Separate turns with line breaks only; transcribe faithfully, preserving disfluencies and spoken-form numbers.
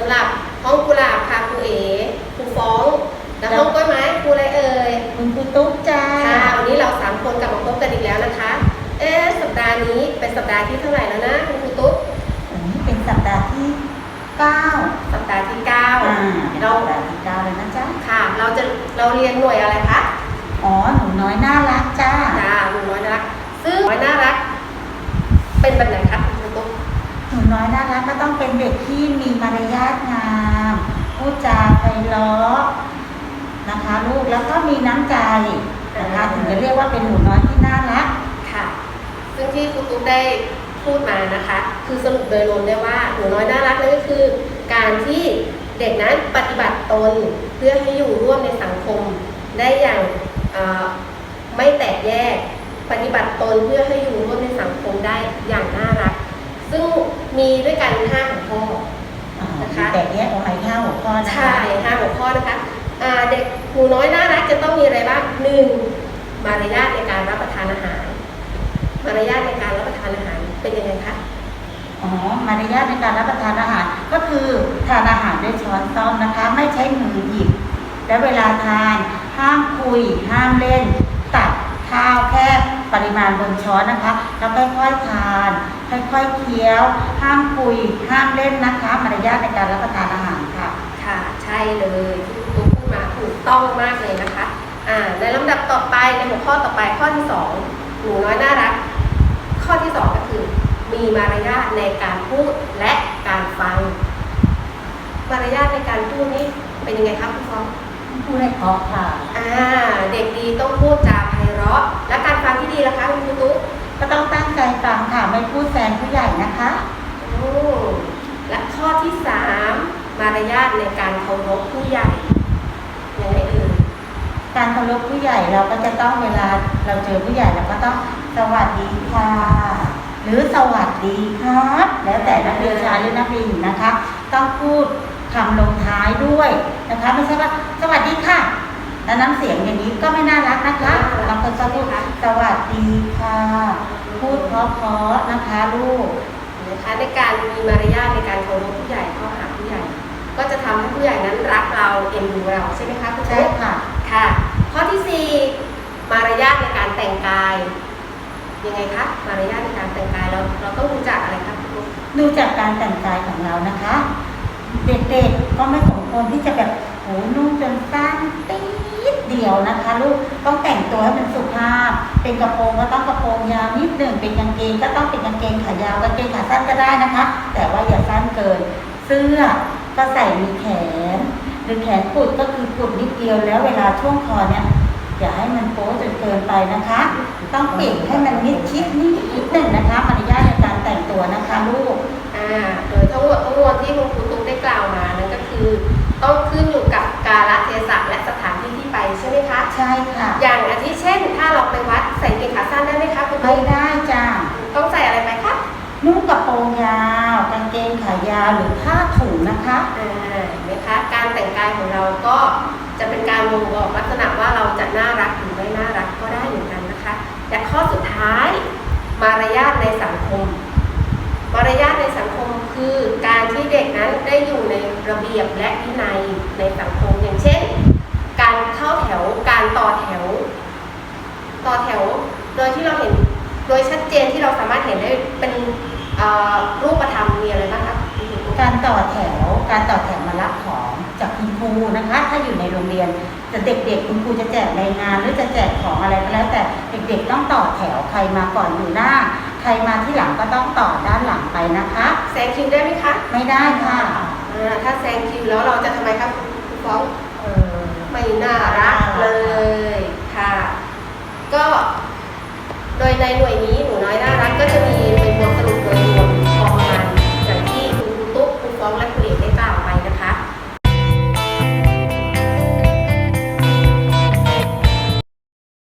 ำหรับห้องกุหลาบค่ะครูเอ๋ครูฟ้องแล้วห้องกล้วยไม้ครูอะไรเอ่ย
คุณครูตุ๊กจ้า
ค่ะวันนี้เราสามคนกลับมาพบกันอีกแล้วนะคะเอ๊ะสัปดาห์นี้เป็นสัปดาห์ที่เท่าไหร่แล้วนะคุณครูตุ๊ก
อันนี้เป็นสัปดาห์ที่เก้า
สัปดาห์ที่เก้า
อ่าเป็นสัปดาห์ที่เก้าเลยนะจ๊ะ
ค่ะเราจะเราเรียนหน่วยอะไรคะ
อ๋อหนูน้อยน่ารักจ้า
จ้าหนูน้อยน่ารักซึ่งน้อยน่ารักเป็นแบบไหนคะคุณครูตุ๊ก
หนูน้อยน่ารักก็ต้องเป็นเด็กที่มีมารยาทงามพูดจาไพเราะนะคะลูกแล้วก็มีน้ำใจนะคะถึงจะเรียกว่าเป็นหนูน้อยที่น่ารัก
ค่ะซึ่งที่ครูตุ๊กได้พูดมานะคะคือสรุปโดยรวมได้ว่าหนูน้อยน่ารักนั่นก็คือการที่เด็กนั้นปฏิบัติตนเพื่อให้อยู่ร่วมในสังคมได้อย่างไม่แตกแยกปฏิบัติตนเพื่อให้อยู่ร่วมในสังคมได้อย่างน่ารักซึ่งมีด้วยกันห้าหัวข้อ
นะคะแตกแยกออกไปห้าหัวข้อนะคะ
ใช่ห้าหัวข้อนะคะเด็กหนูน้อยน่ารักจะต้องมีอะไรบ้างหนึ่งมารยาทในการรับประทานอาหารมารยาทในการรับประทานอาหารเป็นยังไงคะ
อ๋อมารยาทในการรับประทานอาหารก็คือทานอาหารด้วยช้อนซ้อมนะคะไม่ใช้มือหยิบและเวลาทานห้ามคุยห้ามเล่นตักข้าวแค่ปริมาณบนช้อนนะคะแล้วค่อยๆทานค่อยๆเคี้ยวห้ามคุยห้ามเล่นนะคะมารยาทในการรับประทานอาหารค่ะ
ค่ะใช่เลยที่คุณตุ๊กพูดมาถูกต้องมากเลยนะคะอ่าในลำดับต่อไปในหัวข้อต่อไปข้อที่สองหนูน้อยน่ารักข้อที่สองก็คือมีมารยาทในการพูดและการฟังมารยาทในการพูดนี้เป็นยังไงครับคุณฟอง
พูดให้เพราะค่ะ
อ่าเด็กดีต้องพูดจาไพเราะและการฟังที่ดีล่ะคะคุณครูตุ๊ก
ก็ต้องตั้งใจฟังค่ะไม่พูดแซงผู้ใหญ่นะคะ
โอ้และข้อที่สามมารยาทในการเคารพผู้ใหญ่ยังไงเอ่ย
การเคารพผู้ใหญ่เราก็จะต้องเวลาเราเจอผู้ใหญ่เราก็ต้องสวัสดีค่ะหรือสวัสดีครับแล้วแต่นักเรียนชายหรือนักเรียนหญิงนะคะต้องพูดคำลงท้ายด้วยนะคะไม่ใช่ว่าสวัสดีค่ะแล้วน้ำเสียงอย่างนี้ก็ไม่น่ารักนะคะบางคนจะพูดสวัสดีค่ะพูดเพราะๆนะคะลูก
นะคะในการมีมารยาทในการเคารพผู้ใหญ่เข้าหาผู้ใหญ่ก็จะทำให้ผู้ใหญ่นั้นรักเราเอ็นดูเราใช่ไหมคะคุณ
ใช่ค่ะ
ค่ะข้อที่สี่มารยาทในการแต่งกายยังไงคะมารยาทในการแต่งกายเราเราต้องรู้จักอะไรครับคุณ
ดูจากการแต่งกายของเรานะคะเด็กๆก็ไม่สมควรที่จะแบบโหนุ่งจนสั้นตีดเดียวนะคะลูกต้องแต่งตัวให้มันสุภาพเป็นกระโปรงก็ต้องกระโปรงยาวนิดหนึ่งเป็นกางเกงก็ต้องเป็นกางเกงขายาวกางเกงขาสั้นก็ได้นะคะแต่ว่าอย่าสั้นเกินเสื้อก็ใส่มีแขนหรือแขนกุดก็คือกุดนิดเดียวแล้วเวลาช่วงคอเนี่ยอย่าให้มันโป๊จนเกินไปนะคะต้องปิดให้มันมิดชิดนิดหนึ่งนะคะมารยาทในการแต่งตัวนะคะลูก
อ่าโดยทั้งหมดทั้งมวลที่คุณครูตุ๊กได้กล่าวมานั่นก็คือต้องขึ้นอยู่กับกาลเทศะและสถานที่ที่ไปใช่ไหมคะ
ใช่ค่ะ
อย่างอาทิเช่นถ้าเราไปวัดใส่กางเกงขาสั้นได้ไหมคะคุณ
ตุ๊กไม่ได้จ้า
ต้องใส่อะไรไปคะ
นุ่งกระโปรงยาวกางเกงขายาวหรือผ้าถุงนะคะ
อ่าเห็นไหมคะการแต่งกายของเราก็จะเป็นการบ่งบอกลักษณะว่าเราจะน่ารักหรือไม่น่ารักก็ได้เหมือนกันนะคะและข้อสุดท้ายมารยาทในสังคมมารยาทในสังคมคือการที่เด็กนั้นได้อยู่ในระเบียบและวินัยในสังคมอย่างเช่นการเข้าแถวการต่อแถวต่อแถวโดยที่เราเห็นโดยชัดเจนที่เราสามารถเห็นได้เป็นรูปธรรมมีอะไรบ้างคะ
การต่อแถวการต่อแถวมารับของจากคุณครูนะคะถ้าอยู่ในโรงเรียนแต่เด็กๆคุณครูจะแจกรายงานหรือจะแจกของอะไรก็แล้วแต่เด็กๆต้องต่อแถวใครมาก่อนอยู่หน้าใครมาที่หลังก็ต้องต่อด้านหลังไปนะคะ
แซงคิวได้ไหมคะ
ไม่ได้ค่ะ
ถ้าแซงคิวแล้วเราจะทำไมครับคุณฟ้องเออไม่น่ารักเลยค่ะก็โดยในหน่วยนี้หนูน้อยน่ารักก็จะมี